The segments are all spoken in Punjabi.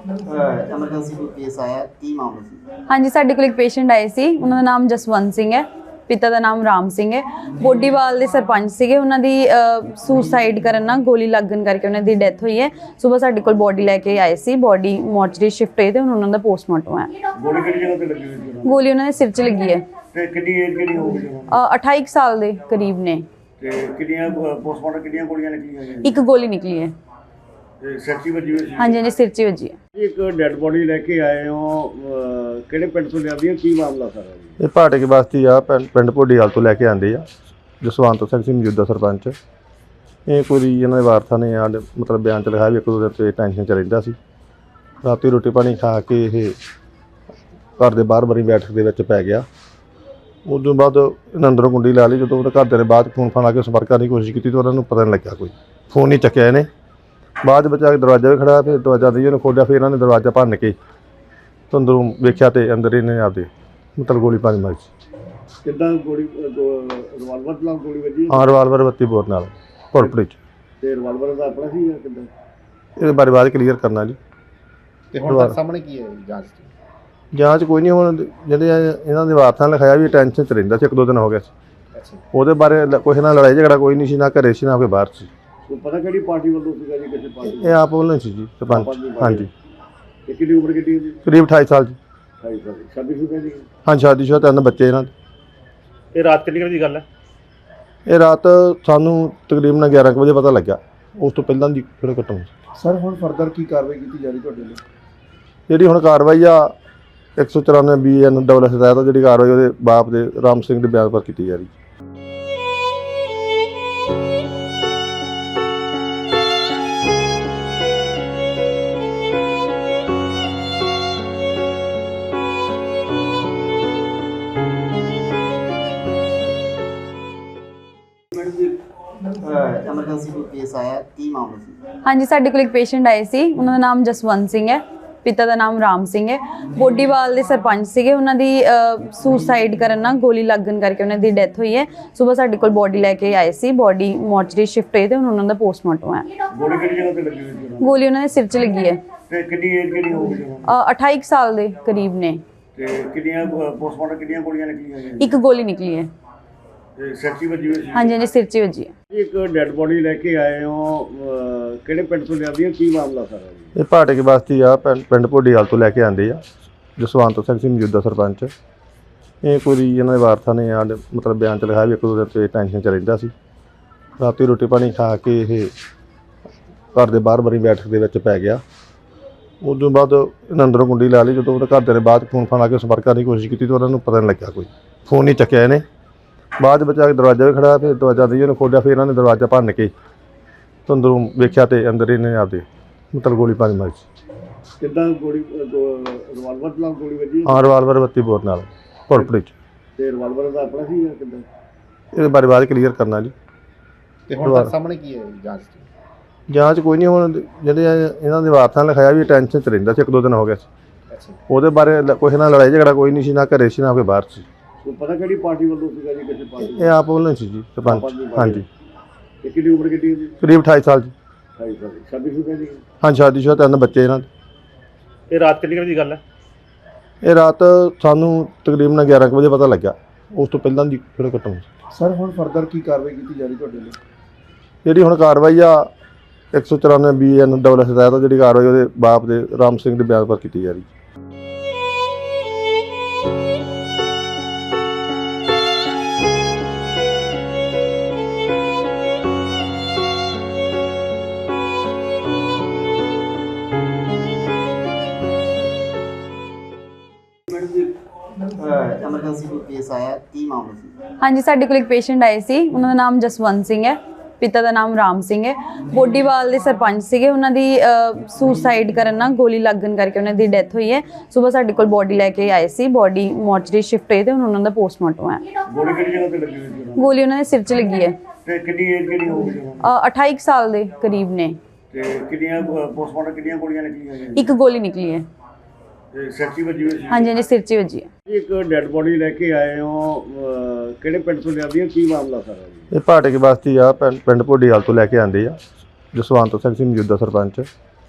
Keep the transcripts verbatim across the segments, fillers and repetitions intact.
ਐਮਰਜੈਂਸੀ ਕੋਈ ਕੇਸ ਆਇਆ, ਕੀ ਮਾਮਲਾ ਸੀ? ਹਾਂਜੀ, ਸਾਡੇ ਕੋਲ ਇੱਕ ਪੇਸ਼ੈਂਟ ਆਏ ਸੀ। ਉਹਨਾਂ ਦਾ ਨਾਮ ਜਸਵੰਤ ਸਿੰਘ ਹੈ, ਪਿਤਾ ਦਾ ਨਾਮ ਰਾਮ ਸਿੰਘ ਹੈ। ਬੋਡੀਵਾਲ ਦੇ ਸਰਪੰਚ ਸੀਗੇ। ਉਹਨਾਂ ਦੀ ਸੁਸਾਈਡ ਕਰਨ ਨਾਲ ਗੋਲੀ ਲੱਗਣ ਕਰਕੇ ਉਹਨਾਂ ਦੀ ਡੈਥ ਹੋਈ ਹੈ। ਸਵੇਰ ਸਾਡੇ ਕੋਲ ਬੋਡੀ ਲੈ ਕੇ ਆਏ ਸੀ। ਬੋਡੀ ਮੋਰਚਰੀ ਸ਼ਿਫਟ ਹੋਈ ਤੇ ਹੁਣ ਉਹਨਾਂ ਦਾ ਪੋਸਟਮਾਰਟਮ ਹੈ। ਗੋਲੀ ਕਿਹੜੀ ਜਗ੍ਹਾ ਤੇ ਲੱਗੀ ਹੋਈ ਸੀ? ਗੋਲੀ ਉਹਨਾਂ ਦੇ ਸਿਰ 'ਚ ਲੱਗੀ ਹੈ। ਤੇ ਕਿੰਨੀ ਏਜ ਕਿਹੜੀ ਹੋਊਗੀ? ਅ, ਅਠਾਈ ਕੁ ਸਾਲ ਦੇ ਕਰੀਬ ਨੇ। ਤੇ ਕਿੰਨੀਆਂ ਪੋਸਟਮਾਰਟਮ ਕਿੰਨੀਆਂ ਗੋਲੀਆਂ ਨਿਕਲੀਆਂ ਹੋਈਆਂ? ਇੱਕ ਗੋਲੀ ਨਿਕਲੀ ਹੈ। ਤੇ ਸੱਚੀ ਵੱਜੀ ਹੋਈ ਸੀ? ਹਾਂਜੀ ਹਾਂਜੀ, ਸਿਰ 'ਚ ਵੱਜੀ ਹੈ। ਇੱਕ ਡੈੱਡ ਬੋਡੀ ਲੈ ਕੇ ਆਏ ਹੋ, ਅਹ, ਕਿਹੜੇ ਪਿੰਡ ਤੋਂ ਲਿਆਂਦੀ ਹੈ? ਕੀ ਮਾਮਲਾ ਸਾਰਾ ਜੀ? ਇਹ ਭਾਟਕ ਬਸਤੀ ਆ, ਪਿੰਡ ਪਿੰਡ ਭੋਡੀਵਾਲ ਤੋਂ ਲੈ ਕੇ ਆਂਦੇ ਆ। ਜਸਵੰਤ ਸਿੰਘ ਸੀ ਮੌਜੂਦਾ ਸਰਪੰਚ। ਇਹ ਕੋਈ ਇਹਨਾਂ ਦੇ ਵਾਰਸਾਂ ਨੇ ਆ ਮਤਲਬ ਬਿਆਨ 'ਚ ਲਿਖਾਇਆ ਵੀ ਇੱਕ ਦੋ ਦਿਨ ਤੋਂ ਟੈਨਸ਼ਨ 'ਚ ਰਹਿੰਦਾ ਸੀ। ਰਾਤੀ ਰੋਟੀ ਪਾਣੀ ਖਾ ਕੇ ਇਹ ਘਰ ਦੇ ਬਾਹਰ ਬਰੀ ਬੈਠਕ ਦੇ ਵਿੱਚ ਪੈ ਗਿਆ। ਉਸ ਤੋਂ ਬਾਅਦ ਇਹਨਾਂ ਅੰਦਰੋਂ ਕੁੰਡੀ ਲਾ ਲਈ। ਜਦੋਂ ਉਹਦੇ ਘਰਦਿਆਂ ਨੇ ਬਾਅਦ ਫੋਨ ਫਾਨ ਲਾ ਕੇ ਸੰਪਰਕ ਕਰਨ ਦੀ ਕੋਸ਼ਿਸ਼ ਕੀਤੀ ਤਾਂ ਉਹਨਾਂ ਨੂੰ ਪਤਾ ਨਹੀਂ ਲੱਗਿਆ, ਕੋਈ ਫੋਨ ਨਹੀਂ ਚੱਕਿਆ ਇਹਨੇ। ਬਾਅਦ ਵਿੱਚ ਆ ਕੇ ਦਰਵਾਜ਼ਾ ਵੀ ਖੜਿਆ, ਫਿਰ ਦਰਵਾਜ਼ਾ ਦੀ ਉਹਨੇ ਖੋਲ੍ਹਿਆ। ਫਿਰ ਇਹਨਾਂ ਨੇ ਦਰਵਾਜ਼ਾ ਭੰਨ ਕੇ ਤਾਂ ਅੰਦਰੋਂ ਵੇਖਿਆ ਤੇ ਅੰਦਰ ਇਹਨੇ ਆਪਦੇ ਮਤਲਬ ਗੋਲੀ ਪਾਣੀ ਮਾਰੀ ਸੀ। ਕਿੱਦਾਂ ਗੋਲੀ? ਰਿਵਾਲਵਰ ਨਾਲ ਗੋਲੀ ਵੱਜੀ? ਹਾਂ, ਰਿਵਾਲਵਰ ਬੱਤੀ ਬੋਰ ਨਾਲ ਭੋੜਪੜੀ 'ਚ। ਤੇ ਰਿਵਾਲਵਰ ਦਾ ਆਪਣਾ ਸੀ ਜਾਂ ਕਿੱਦਾਂ? ਇਹਦੇ ਬਾਰੇ ਬਾਅਦ ਕਲੀਅਰ ਕਰਨਾ ਜੀ। ਤੇ ਹੁਣ ਤੱਕ ਸਾਹਮਣੇ ਕੀ ਹੈ ਜਾਂਚ ਦੀ? ਜਾਂਚ ਕੋਈ ਨਹੀਂ। ਹੁਣ ਜਿਹੜੇ ਇਹਨਾਂ ਦੇ ਵਾਰਸਾਂ ਨੇ ਲਿਖਾਇਆ ਵੀ ਟੈਨਸ਼ਨ 'ਚ ਰਹਿੰਦਾ ਸੀ, ਇੱਕ ਦੋ ਦਿਨ ਹੋ ਗਿਆ ਸੀ। ਅੱਛਾ, ਉਹਦੇ ਬਾਰੇ ਕੋਈ ਨਾਲ ਲੜਾਈ ਝਗੜਾ ਕੋਈ ਨਹੀਂ ਸੀ, ਨਾ ਘਰੇ ਸੀ ਨਾ ਕੋਈ ਬਾਹਰ ਸੀ। ਕੋਈ ਪਤਾ ਕਿਹੜੀ ਪਾਰਟੀ ਵੱਲੋਂ ਸੀਗਾ ਜੀ? ਕਿਸੇ ਪਾਰਟੀ? ਇਹ ਆਪ ਵੱਲੋਂ ਸੀ ਜੀ ਸਰਪੰਚ। ਹਾਂਜੀ। ਤੇ ਕਿੰਨੀ ਉਮਰ ਕਿੰਨੀ ਸੀ? ਕਰੀਬ ਅਠਾਈ ਸਾਲ ਜੀ। ਅਠਾਈ ਸਾਲ। ਸ਼ਾਦੀ ਸ਼ੁਦਾ ਜੀ? ਹਾਂ, ਸ਼ਾਦੀशुदा, ਤਿੰਨ ਬੱਚੇ ਇਹਨਾਂ ਦੇ। ਇਹ ਰਾਤ ਕਿੰਨੀ ਵਜੇ ਦੀ ਗੱਲ ਹੈ? ਇਹ ਰਾਤ ਸਾਨੂੰ ਤਕਰੀਬਨ ਗਿਆਰਾਂ ਕੁ ਵਜੇ ਪਤਾ ਲੱਗਾ। ਉਸ ਤੋਂ ਪਹਿਲਾਂ ਦੀ ਫਿਰ ਘਟਨਾ ਸੀ। ਸਰ ਹੁਣ ਫਰਦਰ ਕੀ ਕਾਰਵਾਈ ਕੀਤੀ ਜਾ ਰਹੀ ਤੁਹਾਡੇ ਲਈ? ਜਿਹੜੀ ਹੁਣ ਕਾਰਵਾਈ ਆ ਇੱਕ ਸੌ ਚੁਰਾਨਵੇਂ ਬੀ ਐਨ ਡਬਲ ਐਸ ਤਹਿਤ ਜਿਹੜੀ ਕਾਰਵਾਈ ਉਹਦੇ ਬਾਪ ਦੇ ਰਾਮ ਸਿੰਘ ਦੇ ਬਿਆਨ ਪਰ ਕੀਤੀ ਜਾ ਰਹੀ। ਐਮਰਜੈਂਸੀ ਕੋਈ ਕੇਸ ਆਇਆ, ਕੀ ਮਾਮਲਾ ਸੀ? ਹਾਂਜੀ, ਸਾਡੇ ਕੋਲ ਇੱਕ ਪੇਸ਼ੈਂਟ ਆਏ ਸੀ। ਉਹਨਾਂ ਦਾ ਨਾਮ ਜਸਵੰਤ ਸਿੰਘ ਹੈ, ਪਿਤਾ ਦਾ ਨਾਮ ਰਾਮ ਸਿੰਘ ਹੈ। ਬੋਡੀਵਾਲ ਦੇ ਸਰਪੰਚ ਸੀਗੇ। ਉਹਨਾਂ ਦੀ ਸੁਸਾਈਡ ਕਰਨ ਨਾਲ ਗੋਲੀ ਲੱਗਣ ਕਰਕੇ ਉਹਨਾਂ ਦੀ ਡੈਥ ਹੋਈ ਹੈ। ਸਵੇਰ ਸਾਡੇ ਕੋਲ ਬੋਡੀ ਲੈ ਕੇ ਆਏ ਸੀ। ਬੋਡੀ ਮੋਰਚਰੀ ਸ਼ਿਫਟ ਹੋਈ ਤੇ ਹੁਣ ਉਹਨਾਂ ਦਾ ਪੋਸਟਮਾਰਟਮ ਹੈ। ਗੋਲੀ ਕਿਹੜੀ ਜਗ੍ਹਾ ਤੇ ਲੱਗੀ ਹੋਈ ਸੀ? ਗੋਲੀ ਉਹਨਾਂ ਦੇ ਸਿਰ 'ਚ ਲੱਗੀ ਹੈ। ਤੇ ਕਿੰਨੀ ਏਜ ਕਿਹੜੀ ਹੋਊਗੀ? ਅ, ਅਠਾਈ ਕੁ ਸਾਲ ਦੇ ਕਰੀਬ ਨੇ। ਤੇ ਕਿੰਨੀਆਂ ਪੋਸਟਮਾਰਟਮ ਕਿੰਨੀਆਂ ਗੋਲੀਆਂ ਨਿਕਲੀਆਂ ਹੋਈਆਂ? ਇੱਕ ਗੋਲੀ ਨਿਕਲੀ ਹੈ। ਤੇ ਸੱਚੀ ਵੱਜੀ ਹੋਈ ਸੀ? ਹਾਂਜੀ ਹਾਂਜੀ, ਸਿਰ 'ਚ ਵੱਜੀ ਹੈ। ਇੱਕ ਡੈੱਡ ਬੋਡੀ ਲੈ ਕੇ ਆਏ ਹੋ, ਅਹ, ਕਿਹੜੇ ਪਿੰਡ ਤੋਂ ਲਿਆਂਦੀ ਹੈ? ਕੀ ਮਾਮਲਾ ਸਾਰਾ ਜੀ? ਇਹ ਭਾਟਕ ਬਸਤੀ ਆ, ਪਿੰਡ ਪਿੰਡ ਭੋਡੀਵਾਲ ਤੋਂ ਲੈ ਕੇ ਆਂਦੇ ਆ। ਜਸਵੰਤ ਸਿੰਘ ਸੀ ਮੌਜੂਦਾ ਸਰਪੰਚ। ਇਹ ਕੋਈ ਇਹਨਾਂ ਦੇ ਵਾਰਸਾਂ ਨੇ ਆ ਮਤਲਬ ਬਿਆਨ 'ਚ ਲਿਖਾਇਆ ਵੀ ਇੱਕ ਦੋ ਦਿਨ ਤੋਂ ਟੈਨਸ਼ਨ 'ਚ ਰਹਿੰਦਾ ਸੀ। ਰਾਤੀ ਰੋਟੀ ਪਾਣੀ ਖਾ ਕੇ ਇਹ ਘਰ ਦੇ ਬਾਹਰ ਬਰੀ ਬੈਠਕ ਦੇ ਵਿੱਚ ਪੈ ਗਿਆ। ਉਸ ਤੋਂ ਬਾਅਦ ਇਹਨਾਂ ਅੰਦਰੋਂ ਕੁੰਡੀ ਲਾ ਲਈ। ਜਦੋਂ ਉਹਦੇ ਘਰਦਿਆਂ ਨੇ ਬਾਅਦ ਫੋਨ ਫਾਨ ਲਾ ਕੇ ਸੰਪਰਕ ਕਰਨ ਦੀ ਕੋਸ਼ਿਸ਼ ਕੀਤੀ ਤਾਂ ਉਹਨਾਂ ਨੂੰ ਪਤਾ ਨਹੀਂ ਲੱਗਿਆ, ਕੋਈ ਫੋਨ ਨਹੀਂ ਚੱਕਿਆ ਇਹਨੇ। ਬਾਅਦ ਵਿੱਚ ਆ ਕੇ ਦਰਵਾਜ਼ਾ ਵੀ ਖੜਿਆ। ਫਿਰ ਦਰਵਾਜ਼ਾ ਦੀ ਉਹਨੇ ਖੋਲ੍ਹਿਆ। ਫਿਰ ਇਹਨਾਂ ਨੇ ਦਰਵਾਜ਼ਾ ਭੰਨ ਕੇ ਤਾਂ ਅੰਦਰੋਂ ਵੇਖਿਆ ਤੇ ਅੰਦਰ ਇਹਨੇ ਆਪਦੇ ਮਤਲਬ ਗੋਲੀ ਪਾਣੀ ਮਾਰੀ ਸੀ। ਕਿੱਦਾਂ ਗੋਲੀ? ਰਿਵਾਲਵਰ ਨਾਲ ਗੋਲੀ ਵੱਜੀ? ਹਾਂ, ਰਿਵਾਲਵਰ ਬੱਤੀ ਬੋਰ ਨਾਲ ਭੋੜਪੜੀ 'ਚ। ਤੇ ਰਿਵਾਲਵਰ ਦਾ ਆਪਣਾ ਸੀ ਜਾਂ ਕਿੱਦਾਂ? ਇਹਦੇ ਬਾਰੇ ਬਾਅਦ ਕਲੀਅਰ ਕਰਨਾ ਜੀ। ਤੇ ਹੁਣ ਤੱਕ ਸਾਹਮਣੇ ਕੀ ਹੈ ਜਾਂਚ ਦੀ? ਜਾਂਚ ਕੋਈ ਨਹੀਂ। ਹੁਣ ਜਿਹੜੇ ਇਹਨਾਂ ਦੇ ਵਾਰਸਾਂ ਨੇ ਲਿਖਾਇਆ ਵੀ ਟੈਨਸ਼ਨ 'ਚ ਰਹਿੰਦਾ ਸੀ, ਇੱਕ ਦੋ ਦਿਨ ਹੋ ਗਿਆ ਸੀ। ਅੱਛਾ, ਉਹਦੇ ਬਾਰੇ ਕੋਈ ਨਾਲ ਲੜਾਈ ਝਗੜਾ ਕੋਈ ਨਹੀਂ ਸੀ, ਨਾ ਘਰੇ ਸੀ ਨਾ ਕੋਈ ਬਾਹਰ ਸੀ। ਕੋਈ ਪਤਾ ਕਿਹੜੀ ਪਾਰਟੀ ਵੱਲੋਂ ਸੀਗਾ ਜੀ? ਕਿਸੇ ਪਾਰਟੀ? ਇਹ ਆਪ ਵੱਲੋਂ ਸੀ ਜੀ ਸਰਪੰਚ। ਹਾਂਜੀ। ਤੇ ਕਿੰਨੀ ਉਮਰ ਕਿੰਨੀ ਸੀ? ਕਰੀਬ ਅਠਾਈ ਸਾਲ ਜੀ। ਅਠਾਈ ਸਾਲ। ਸ਼ਾਦੀ ਸ਼ੁਦਾ ਜੀ? ਹਾਂ, ਸ਼ਾਦੀशुदा, ਤਿੰਨ ਬੱਚੇ ਇਹਨਾਂ ਦੇ। ਇਹ ਰਾਤ ਕਿੰਨੀ ਵਜੇ ਦੀ ਗੱਲ ਹੈ? ਇਹ ਰਾਤ ਸਾਨੂੰ ਤਕਰੀਬਨ ਗਿਆਰਾਂ ਕੁ ਵਜੇ ਪਤਾ ਲੱਗਾ। ਉਸ ਤੋਂ ਪਹਿਲਾਂ ਦੀ ਫਿਰ ਘਟਨਾ ਸੀ। ਸਰ ਹੁਣ ਫਰਦਰ ਕੀ ਕਾਰਵਾਈ ਕੀਤੀ ਜਾ ਰਹੀ ਤੁਹਾਡੇ ਲਈ? ਜਿਹੜੀ ਹੁਣ ਕਾਰਵਾਈ ਆ ਇੱਕ ਸੌ ਚੁਰਾਨਵੇਂ ਬੀ ਐਨ ਡਬਲ ਐਸ ਤਹਿਤ ਜਿਹੜੀ ਕਾਰਵਾਈ ਉਹਦੇ ਬਾਪ ਦੇ ਰਾਮ ਸਿੰਘ ਦੇ ਬਿਆਨ ਪਰ ਕੀਤੀ ਜਾ ਰਹੀ। ਐਮਰਜੈਂਸੀ ਕੋਈ ਕੇਸ ਆਇਆ, ਕੀ ਮਾਮਲਾ ਸੀ? ਹਾਂਜੀ, ਸਾਡੇ ਕੋਲ ਇੱਕ ਪੇਸ਼ੈਂਟ ਆਏ ਸੀ। ਉਹਨਾਂ ਦਾ ਨਾਮ ਜਸਵੰਤ ਸਿੰਘ ਹੈ, ਪਿਤਾ ਦਾ ਨਾਮ ਰਾਮ ਸਿੰਘ ਹੈ। ਬੋਡੀਵਾਲ ਦੇ ਸਰਪੰਚ ਸੀਗੇ। ਉਹਨਾਂ ਦੀ ਸੁਸਾਈਡ ਕਰਨ ਨਾਲ ਗੋਲੀ ਲੱਗਣ ਕਰਕੇ ਉਹਨਾਂ ਦੀ ਡੈਥ ਹੋਈ ਹੈ। ਸਵੇਰ ਸਾਡੇ ਕੋਲ ਬੋਡੀ ਲੈ ਕੇ ਆਏ ਸੀ। ਬੋਡੀ ਮੋਰਚਰੀ ਸ਼ਿਫਟ ਹੋਈ ਤੇ ਹੁਣ ਉਹਨਾਂ ਦਾ ਪੋਸਟਮਾਰਟਮ ਹੈ। ਗੋਲੀ ਕਿਹੜੀ ਜਗ੍ਹਾ ਤੇ ਲੱਗੀ ਹੋਈ ਸੀ? ਗੋਲੀ ਉਹਨਾਂ ਦੇ ਸਿਰ 'ਚ ਲੱਗੀ ਹੈ। ਤੇ ਕਿੰਨੀ ਏਜ ਕਿਹੜੀ ਹੋਊਗੀ? ਅ, ਅਠਾਈ ਕੁ ਸਾਲ ਦੇ ਕਰੀਬ ਨੇ। ਤੇ ਕਿੰਨੀਆਂ ਪੋਸਟਮਾਰਟਮ ਕਿੰਨੀਆਂ ਗੋਲੀਆਂ ਨਿਕਲੀਆਂ ਹੋਈਆਂ? ਇੱਕ ਗੋਲੀ ਨਿਕਲੀ ਹੈ। ਤੇ ਸੱਚੀ ਵੱਜੀ ਹੋਈ ਸੀ? ਹਾਂਜੀ ਹਾਂਜੀ, ਸਿਰ 'ਚ ਵੱਜੀ ਹੈ। ਇੱਕ ਡੈੱਡ ਬੋਡੀ ਲੈ ਕੇ ਆਏ ਹੋ, ਅਹ, ਕਿਹੜੇ ਪਿੰਡ ਤੋਂ ਲਿਆਂਦੀ ਹੈ? ਕੀ ਮਾਮਲਾ ਸਾਰਾ ਜੀ? ਇਹ ਭਾਟਕ ਬਸਤੀ ਆ, ਪਿੰਡ ਪਿੰਡ ਭੋਡੀਵਾਲ ਤੋਂ ਲੈ ਕੇ ਆਂਦੇ ਆ। ਜਸਵੰਤ ਸਿੰਘ ਸੀ ਮੌਜੂਦਾ ਸਰਪੰਚ।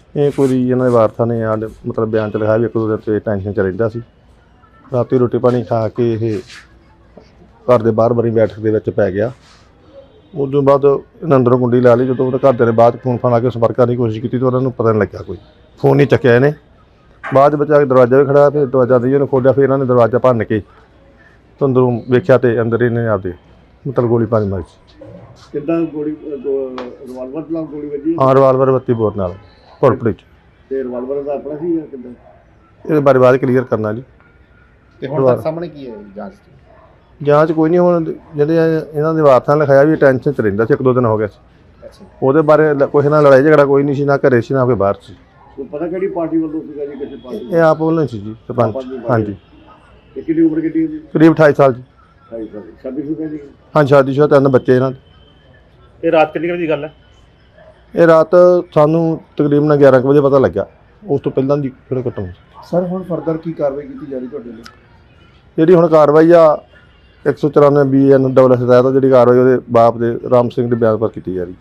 ਇਹ ਕੋਈ ਇਹਨਾਂ ਦੇ ਵਾਰਸਾਂ ਨੇ ਆ ਮਤਲਬ ਬਿਆਨ ਚ ਲਿਖਾਇਆ ਵੀ ਇੱਕ ਦੋ ਦਿਨ ਤੇ ਟੈਨਸ਼ਨ ਚ ਰਹਿੰਦਾ ਸੀ। ਰਾਤੀ ਰੋਟੀ ਪਾਣੀ ਖਾ ਕੇ ਇਹ ਘਰ ਦੇ ਬਾਹਰ ਬਰੀ ਬੈਠਕ ਦੇ ਵਿੱਚ ਪੈ ਗਿਆ। ਉਸ ਤੋਂ ਬਾਅਦ ਇਹਨਾਂ ਅੰਦਰੋਂ ਕੁੰਡੀ ਲਾ ਲਈ। ਜਦੋਂ ਉਹਦੇ ਘਰਦਿਆਂ ਨੇ ਬਾਅਦ ਫੋਨ ਫਾਨ ਲਾ ਕੇ ਸੰਪਰਕ ਕਰਨ ਦੀ ਕੋਸ਼ਿਸ਼ ਕੀਤੀ ਤਾਂ ਉਹਨਾਂ ਨੂੰ ਪਤਾ ਨਹੀਂ ਲੱਗਿਆ, ਕੋਈ ਫੋਨ ਨਹੀਂ ਚੱਕਿਆ ਇਹਨੇ। ਬਾਅਦ ਵਿੱਚ ਆ ਕੇ ਦਰਵਾਜ਼ਾ ਵੀ ਖੜਾ, ਫਿਰ ਦਰਵਾਜ਼ਾ ਦੀ ਉਹਨੇ ਖੋਲ੍ਹਿਆ, ਫਿਰ ਇਹਨਾਂ ਨੇ ਦਰਵਾਜ਼ਾ ਭੰਨ ਕੇ ਤੇ ਅੰਦਰੋਂ ਵੇਖਿਆ ਤੇ ਅੰਦਰ ਇਹਨੇ ਆਪਦੇ ਮਤਲਬ ਗੋਲੀ ਪਾਣੀ ਮਾਰੀ ਸੀ। ਕਿੱਦਾਂ ਗੋਲੀ ਰਿਵਾਲਵਰ ਨਾਲ ਗੋਲੀ ਵੱਜੀ ਹਾਂ, ਰਿਵਾਲਵਰ ਬੱਤੀ ਬੋਰ ਨਾਲ ਭੋਰਪੜੀ 'ਚ। ਤੇ ਰਿਵਾਲਵਰ ਦਾ ਆਪਣਾ ਸੀ ਜਾਂ ਕਿੱਦਾਂ? ਇਹਦੇ ਬਾਰੇ ਬਾਅਦ ਕਲੀਅਰ ਕਰਨਾ ਜੀ। ਤੇ ਹੁਣ ਤੱਕ ਸਾਹਮਣੇ ਕੀ ਹੈ ਜਾਂਚ ਦੀ? ਜਾਂਚ ਕੋਈ ਨਹੀਂ, ਹੁਣ ਜਿਹੜੇ ਇਹਨਾਂ ਦੇ ਵਾਰਸਾਂ ਨੇ ਲਿਖਾਇਆ ਵੀ ਟੈਨਸ਼ਨ 'ਚ ਰਹਿੰਦਾ ਸੀ, ਇੱਕ ਦੋ ਦਿਨ ਹੋ ਗਿਆ ਸੀ। ਅੱਛਾ, ਉਹਦੇ ਬਾਰੇ ਲ- ਕਿਸੇ ਨਾਲ ਲੜਾਈ ਝਗੜਾ ਕੋਈ ਨਹੀਂ ਸੀ, ਨਾ ਘਰੇ ਸੀ ਨਾ ਕੋਈ ਬਾਹਰ ਸੀ। ਕੋਈ ਪਤਾ ਕਿਹੜੀ ਪਾਰਟੀ ਵੱਲੋਂ ਸੀਗਾ ਜੀ, ਕਿਸੇ ਪਾਰਟੀ ਇਹ ਆਪ ਵੱਲੋਂ ਸੀ ਜੀ ਸਰਪੰਚ। ਹਾਂਜੀ, ਤੇ ਕਿੰਨੀ ਉਮਰ ਕਿੰਨੀ ਸੀ? ਕਰੀਬ ਅਠਾਈ ਸਾਲ ਜੀ। ਢਾਈ ਸਾਲ ਸ਼ਾਦੀ ਸ਼ੁਦਾ ਜੀ? ਹਾਂ, ਸ਼ਾਦੀशुदा ਤਿੰਨ ਬੱਚੇ ਇਹਨਾਂ ਦੇ। ਇਹ ਰਾਤ ਕਿੰਨੀ ਵਜੇ ਦੀ ਗੱਲ ਹੈ? ਇਹ ਰਾਤ ਸਾਨੂੰ ਤਕਰੀਬਨ ਗਿਆਰਾਂ ਕੁ ਵਜੇ ਪਤਾ ਲੱਗਾ। ਉਸ ਤੋਂ ਪਹਿਲਾਂ ਦੀ ਕਿਹੜੇ ਘਟਨਾ ਸੀ। ਸਰ ਹੁਣ ਫਰਦਰ ਕੀ ਕਾਰਵਾਈ ਕੀਤੀ ਜਾ ਰਹੀ ਤੁਹਾਡੇ ਲਈ? ਜਿਹੜੀ ਹੁਣ ਕਾਰਵਾਈ ਆ ਇੱਕ ਸੌ ਚੁਰਾਨਵੇਂ ਬੀ ਐਨ ਡਬਲ ਐਸ ਤਹਿਤ ਜਿਹੜੀ ਕਾਰਵਾਈ ਉਹਦੇ ਬਾਪ ਦੇ ਰਾਮ ਸਿੰਘ ਦੇ ਬਿਆਨ ਪਰ ਕੀਤੀ ਜਾ ਰਹੀ।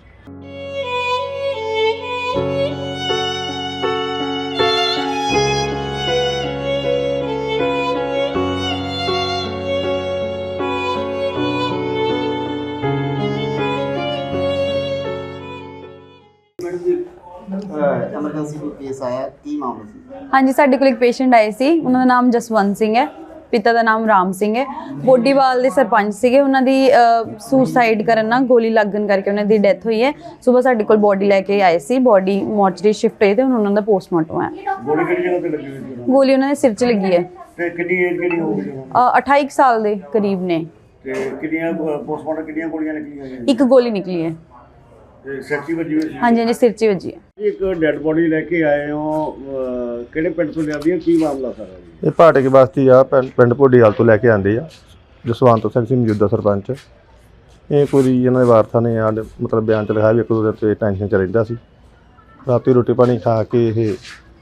ਐਮਰਜੈਂਸੀ ਕੋਈ ਕੇਸ ਆਇਆ, ਕੀ ਮਾਮਲਾ ਸੀ? ਹਾਂਜੀ, ਸਾਡੇ ਕੋਲ ਇੱਕ ਪੇਸ਼ੈਂਟ ਆਏ ਸੀ। ਉਹਨਾਂ ਦਾ ਨਾਮ ਜਸਵੰਤ ਸਿੰਘ ਹੈ, ਪਿਤਾ ਦਾ ਨਾਮ ਰਾਮ ਸਿੰਘ ਹੈ। ਬੋਡੀਵਾਲ ਦੇ ਸਰਪੰਚ ਸੀਗੇ। ਉਹਨਾਂ ਦੀ ਸੁਸਾਈਡ ਕਰਨ ਨਾਲ ਗੋਲੀ ਲੱਗਣ ਕਰਕੇ ਉਹਨਾਂ ਦੀ ਡੈਥ ਹੋਈ ਹੈ। ਸਵੇਰ ਸਾਡੇ ਕੋਲ ਬੋਡੀ ਲੈ ਕੇ ਆਏ ਸੀ। ਬੋਡੀ ਮੋਰਚਰੀ ਸ਼ਿਫਟ ਹੋਈ ਤੇ ਹੁਣ ਉਹਨਾਂ ਦਾ ਪੋਸਟਮਾਰਟਮ ਹੈ। ਗੋਲੀ ਕਿਹੜੀ ਜਗ੍ਹਾ ਤੇ ਲੱਗੀ ਹੋਈ ਸੀ ਉਹਨਾਂ ਨੂੰ? ਗੋਲੀ ਉਹਨਾਂ ਦੇ ਸਿਰ 'ਚ ਲੱਗੀ ਹੈ। ਤੇ ਕਿੰਨੀ ਏਜ ਕਿਹੜੀ ਹੋ ਗਈ ਉਹਨਾਂ ਨੂੰ? ਅ, ਅਠਾਈ ਕੁ ਸਾਲ ਦੇ ਕਰੀਬ ਨੇ। ਤੇ ਕਿੰਨੀਆਂ ਪੋਸਟਮਾਰਟਮ ਕਿੰਨੀਆਂ ਗੋਲੀਆਂ ਨਿਕਲੀਆਂ ਹੋਈਆਂ? ਇੱਕ ਗੋਲੀ ਨਿਕਲੀ ਹੈ। ਤੇ ਸੈਕਟੀ ਵੱਜੀ ਹੋਈ ਸੀ? ਹਾਂਜੀ ਹਾਂਜੀ, ਸਿਰ 'ਚ ਹੀ ਵੱਜੀ ਹੈ। ਇੱਕ ਡੈੱਡ ਬੋਡੀ ਲੈ ਕੇ ਆਏ ਹੋ, ਅਹ, ਕਿਹੜੇ ਪਿੰਡ ਤੋਂ ਲਿਆਂਦੀ ਹੈ? ਕੀ ਮਾਮਲਾ ਸਾਰਾ ਜੀ? ਇਹ ਭਾਟੇ ਕੇ ਬਸਤੀ ਆ, ਪਿੰਡ ਪਿੰਡ ਭੋਡੀਵਾਲ ਤੋਂ ਲੈ ਕੇ ਆਂਦੇ ਆ। ਜਸਵੰਤ ਸਿੰਘ ਸੀ ਮੌਜੂਦਾ ਸਰਪੰਚ। ਇਹ ਕੋਈ ਇਹਨਾਂ ਦੇ ਵਾਰਸਾਂ ਨੇ ਆ ਮਤਲਬ ਬਿਆਨ ਚ ਲਿਖਾਇਆ ਵੀ ਇੱਕ ਦੋ ਦਿਨ ਤੇ ਟੈਨਸ਼ਨ ਚ ਰਹਿੰਦਾ ਸੀ। ਰਾਤੀ ਰੋਟੀ ਪਾਣੀ ਖਾ ਕੇ ਇਹ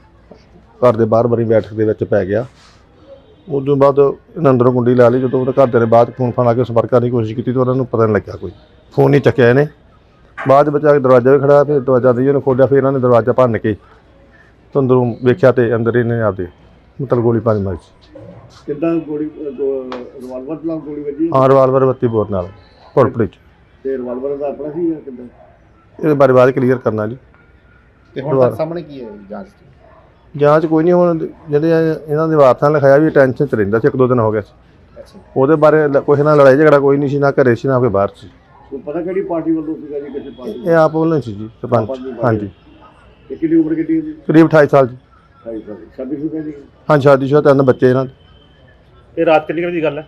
ਘਰ ਦੇ ਬਾਹਰ ਬਰੀ ਬੈਠਕ ਦੇ ਵਿੱਚ ਪੈ ਗਿਆ। ਉਸ ਤੋਂ ਬਾਅਦ ਇਹਨਾਂ ਅੰਦਰੋਂ ਕੁੰਡੀ ਲਾ ਲਈ। ਜਦੋਂ ਉਹਦੇ ਘਰਦਿਆਂ ਨੇ ਬਾਅਦ ਫੋਨ ਫਾਨ ਲਾ ਕੇ ਸੰਪਰਕ ਕਰਨ ਦੀ ਕੋਸ਼ਿਸ਼ ਕੀਤੀ ਤਾਂ ਉਹਨਾਂ ਨੂੰ ਪਤਾ ਨਹੀਂ ਲੱਗਿਆ, ਕੋਈ ਫੋਨ ਨਹੀਂ ਚੱਕਿਆ ਇਹਨੇ। ਬਾਅਦ ਵਿੱਚ ਆ ਕੇ ਦਰਵਾਜ਼ਾ ਵੀ ਖੜਾ, ਫਿਰ ਦਰਵਾਜ਼ਾ ਦੀ ਉਹਨੇ ਖੋਲ੍ਹਿਆ, ਫਿਰ ਇਹਨਾਂ ਨੇ ਦਰਵਾਜ਼ਾ ਭੰਨ ਕੇ ਤੇ ਅੰਦਰੋਂ ਵੇਖਿਆ ਤੇ ਅੰਦਰ ਇਹਨੇ ਆਪਦੇ ਮਤਲਬ ਗੋਲੀ ਪਾਣੀ ਮਾਰੀ ਸੀ। ਕਿੱਦਾਂ ਗੋਲੀ ਰਿਵਾਲਵਰ ਨਾਲ ਗੋਲੀ ਵੱਜੀ? ਹਾਂ, ਰਿਵਾਲਵਰ ਬੱਤੀ ਬੋਰ ਨਾਲ ਭੋਰਪੜੀ 'ਚ। ਤੇ ਰਿਵਾਲਵਰ ਦਾ ਆਪਣਾ ਸੀ ਜਾਂ ਕਿੱਦਾਂ? ਇਹਦੇ ਬਾਰੇ ਬਾਅਦ ਕਲੀਅਰ ਕਰਨਾ ਜੀ। ਤੇ ਹੁਣ ਤੱਕ ਸਾਹਮਣੇ ਕੀ ਹੈ ਜਾਂਚ ਦੀ? ਜਾਂਚ ਕੋਈ ਨਹੀਂ, ਹੁਣ ਜਿਹੜੇ ਇਹਨਾਂ ਦੇ ਵਾਰਸਾਂ ਨੇ ਲਿਖਾਇਆ ਵੀ ਟੈਨਸ਼ਨ 'ਚ ਰਹਿੰਦਾ ਸੀ, ਇੱਕ ਦੋ ਦਿਨ ਹੋ ਗਿਆ ਸੀ। ਅੱਛਾ, ਉਹਦੇ ਬਾਰੇ ਲ- ਕਿਸੇ ਨਾਲ ਲੜਾਈ ਝਗੜਾ ਕੋਈ ਨਹੀਂ ਸੀ, ਨਾ ਘਰੇ ਸੀ ਨਾ ਕੋਈ ਬਾਹਰ ਸੀ। ਕੋਈ ਪਤਾ ਕਿਹੜੀ ਪਾਰਟੀ ਵੱਲੋਂ ਸੀਗਾ ਜੀ, ਕਿਸੇ ਪਾਰਟੀ? ਇਹ ਆਪ ਵੱਲੋਂ ਸੀ ਜੀ ਸਰਪੰਚ। ਹਾਂਜੀ, ਤੇ ਕਿੰਨੀ ਉਮਰ ਕਿੰਨੀ ਸੀ? ਕਰੀਬ ਅਠਾਈ ਸਾਲ ਜੀ। ਢਾਈ ਸਾਲ ਸ਼ਾਦੀ ਸ਼ੁਦਾ ਜੀ? ਹਾਂ, ਸ਼ਾਦੀशुदा ਤਿੰਨ ਬੱਚੇ ਇਹਨਾਂ ਦੇ। ਇਹ ਰਾਤ ਕਿੰਨੀ ਵਜੇ ਦੀ ਗੱਲ ਹੈ?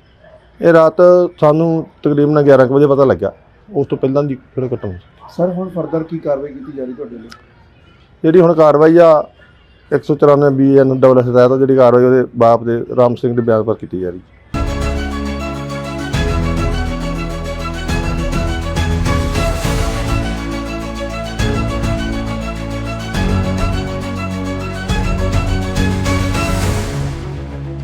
ਇਹ ਰਾਤ ਸਾਨੂੰ ਤਕਰੀਬਨ ਗਿਆਰਾਂ ਕੁ ਵਜੇ ਪਤਾ ਲੱਗਾ। ਉਸ ਤੋਂ ਪਹਿਲਾਂ ਦੀ ਕਿਹੜੇ ਘਟਨਾ ਸੀ। ਸਰ ਹੁਣ ਫਰਦਰ ਕੀ ਕਾਰਵਾਈ ਕੀਤੀ ਜਾ ਰਹੀ ਤੁਹਾਡੇ ਲਈ? ਜਿਹੜੀ ਹੁਣ ਕਾਰਵਾਈ ਆ ਇੱਕ ਸੌ ਚੁਰਾਨਵੇਂ ਬੀ ਐਨ ਡਬਲ ਐਸ ਤਹਿਤ ਜਿਹੜੀ ਕਾਰਵਾਈ ਉਹਦੇ ਬਾਪ ਦੇ ਰਾਮ ਸਿੰਘ ਦੇ ਬਿਆਨ ਪਰ ਕੀਤੀ ਜਾ ਰਹੀ।